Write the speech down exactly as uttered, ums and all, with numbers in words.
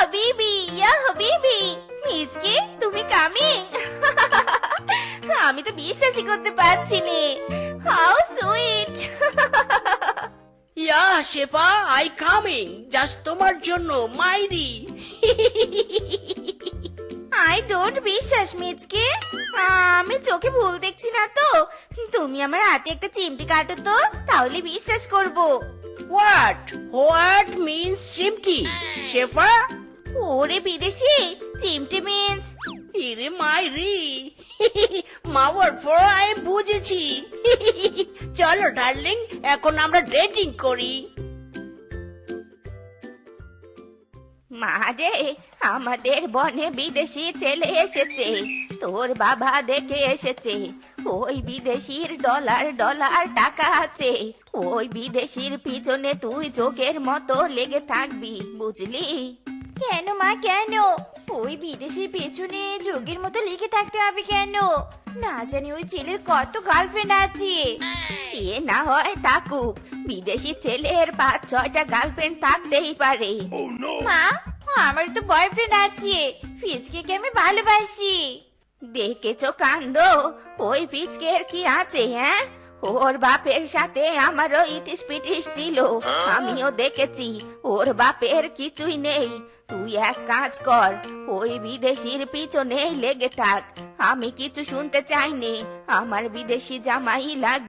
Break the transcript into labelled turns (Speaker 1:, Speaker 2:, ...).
Speaker 1: হাবিবি ইয়া হাবিবি, মিজকে তুমি কামিং? আমি তো বিশ্বাসই করতে পারছি নে। How sweet.
Speaker 2: Ya Shefa, I coming just তোমার জন্য মাইরি।
Speaker 1: আই ডোন্ট বিশ্বাস মিজকে, আমি চোখে ভুল দেখছি না তো? তুমি আমার হাতে একটা চিমটি কাটো তো, তাহলে বিশ্বাস করব।
Speaker 2: হোয়াট হোয়াট মিন্স চিমটি শেফা?
Speaker 1: ওরে বিদেশি, চিমটি মিন্স
Speaker 2: ইরে মাইরি। মাওয়ার পর আমি বুঝেছি। চলো ডার্লিং, এখন আমরা ডেটিং করি।
Speaker 1: মা রে, আমাদের বনে বিদেশি ছেলে এসেছে, তোর বাবা দেখে এসেছে। ওই বিদেশির ডলার ডলার টাকা আছে, ওই বিদেশির পিছনে তুই যোগের মতো লেগে থাকবি, বুঝলি? কেন মা কেন? ওই বিদেশির পেছনে যোগের মতো লেগে থাকতে হবে কেন? না জানি ওই ছেলের কত গার্লফ্রেন্ড আছে। এ না হয় থাকুক, বিদেশি ছেলের পাঁচ ছয়টা গার্লফ্রেন্ড থাকতেই পারে। মা, আমার তো বয়ফ্রেন্ড আছে, ফিজকে আমি ভালোবাসি। দেখেছো কাণ্ড, ওই ফিজকের কি আছে? হ্যাঁ, ওর বাপের সাথে আমারও ইটিস পিটিস ছিল, আমিও দেখেছি। ওর বাপের কিছুই নেই। তুই এক কাজ কর, ওই বিদেশির পিছনেই লেগে থাক। আমি কিছু শুনতে চাইনি, আমার বিদেশি জামাই লাগবে।